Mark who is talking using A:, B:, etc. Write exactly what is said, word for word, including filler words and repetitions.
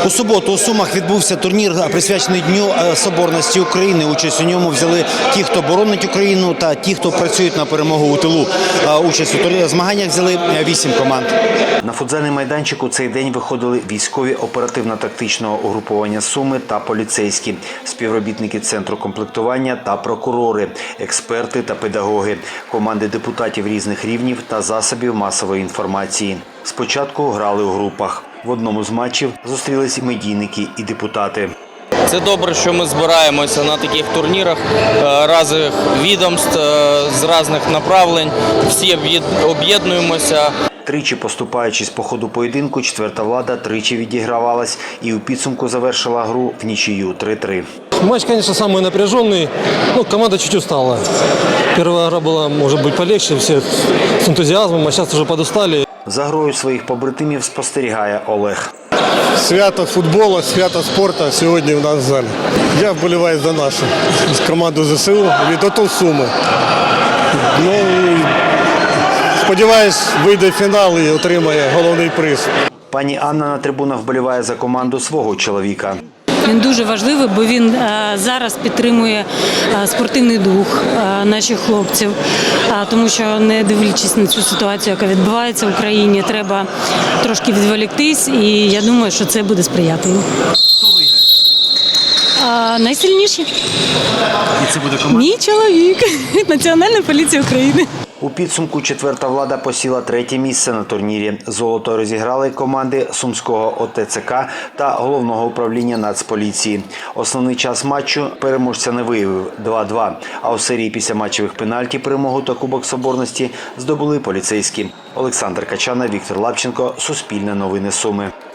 A: У суботу у Сумах відбувся турнір, присвячений Дню Соборності України. Участь у ньому взяли ті, хто боронить Україну, та ті, хто працюють на перемогу у тилу. Участь у змаганнях взяли вісім команд. На футзальний майданчик у цей день виходили військові оперативно-тактичного угруповання «Суми» та поліцейські, співробітники Центру комплектування та прокурори, експерти та педагоги, команди депутатів різних рівнів та засобів масової інформації. Спочатку грали у групах. В одному з матчів зустрілись медійники і депутати.
B: Це добре, що ми збираємося на таких турнірах різних відомств, з різних направлень. Всі об'єднуємося.
A: Тричі поступаючись по ходу поєдинку, четверта влада тричі відігравалась і у підсумку завершила гру в нічию три-три.
C: Матч, конечно, самый напряженный. Ну, команда чуть устала. Первая игра была, может быть, полегче, все с энтузиазмом, а сейчас уже подустали.
A: За грою своїх побратимів спостерігає Олег.
D: Свято футболу, свято спорту сьогодні в нас в залі. Я вболіваю за нашу команду зе се у від АТО Суми. Ну, і сподіваюсь, вийде в фінал і отримає головний приз.
A: Пані Анна на трибунах вболіває за команду свого чоловіка.
E: Він дуже важливий, бо він зараз підтримує спортивний дух наших хлопців, тому що, не дивлячись на цю ситуацію, яка відбувається в Україні, треба трошки відволіктись, і я думаю, що це буде сприятливо.
A: Хто виграє?
E: Найсильніші.
A: І це буде команда?
E: Мій чоловік. Національна поліція України.
A: У підсумку четверта влада посіла третє місце на турнірі. Золото розіграли команди Сумського о те це ка та Головного управління Нацполіції. Основний час матчу переможця не виявив – два-два. А у серії після матчевих пенальті перемогу та Кубок Соборності здобули поліцейські. Олександр Качана, Віктор Лапченко, Суспільне новини Суми.